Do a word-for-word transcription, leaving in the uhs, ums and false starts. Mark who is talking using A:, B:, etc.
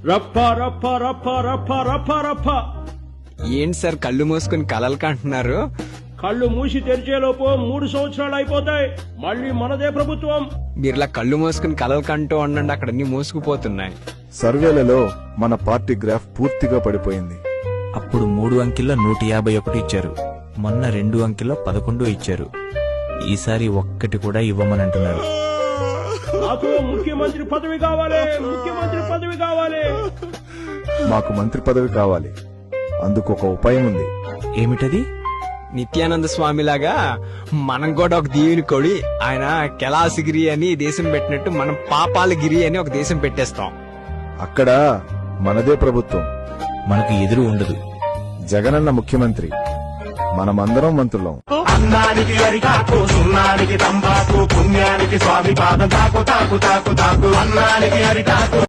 A: రప్ప రప్ప రప్ప రప్ప రప్ప రప్ప.
B: ఏంటి సార్ కళ్ళు మూసుకుని కలలు కంటున్నారు?
A: కళ్ళు మూసి తెరిచేలోపు మూడు సంవత్సరాలు అయిపోతాయి, మళ్ళీ మనదే ప్రభుత్వం.
B: మీరులా కళ్ళు మూసుకుని కలలు కంటూ ఉండండి, అక్కడ అన్ని మూసుకుపోతున్నాయి.
C: సర్వేలలో మన పార్టీ గ్రాఫ్ పూర్తిగా పడిపోయింది.
D: అప్పుడు మూడు అంకెల్లో నూట యాభై ఒకటి ఇచ్చారు, మొన్న రెండు అంకెల్లో పదకొండు ఇచ్చారు, ఈసారి ఒక్కటి కూడా ఇవ్వమనంటున్నారు.
A: నాకు ముఖ్యమంత్రి పదవి కావాలి, ముఖ్యమంత్రి పదవి కావాలి.
C: మాకు మంత్రి పదవి కావాలి, అందుకు ఒక ఉపాయం ఉంది.
D: ఏమిటది?
B: నిత్యానంద స్వామిలాగా మనం కూడా ఒక దీవిని కొడి, ఆయన కెలాసగిరి అని దేశం పెట్టినట్టు మనం పాపాలగిరి అని ఒక దేశం పెట్టేస్తాం.
C: అక్కడ మనదే ప్రభుత్వం,
D: మనకు ఎదురు ఉండదు.
C: జగనన్న ముఖ్యమంత్రి, మనమందరం మంత్రులం.
E: అన్నానికి అరిటాకు, సున్నానికి తంబాకు, పుణ్యానికి స్వామి పాదం తాకు తాకు తాకు తాకు. అన్నానికి అరిటాకు.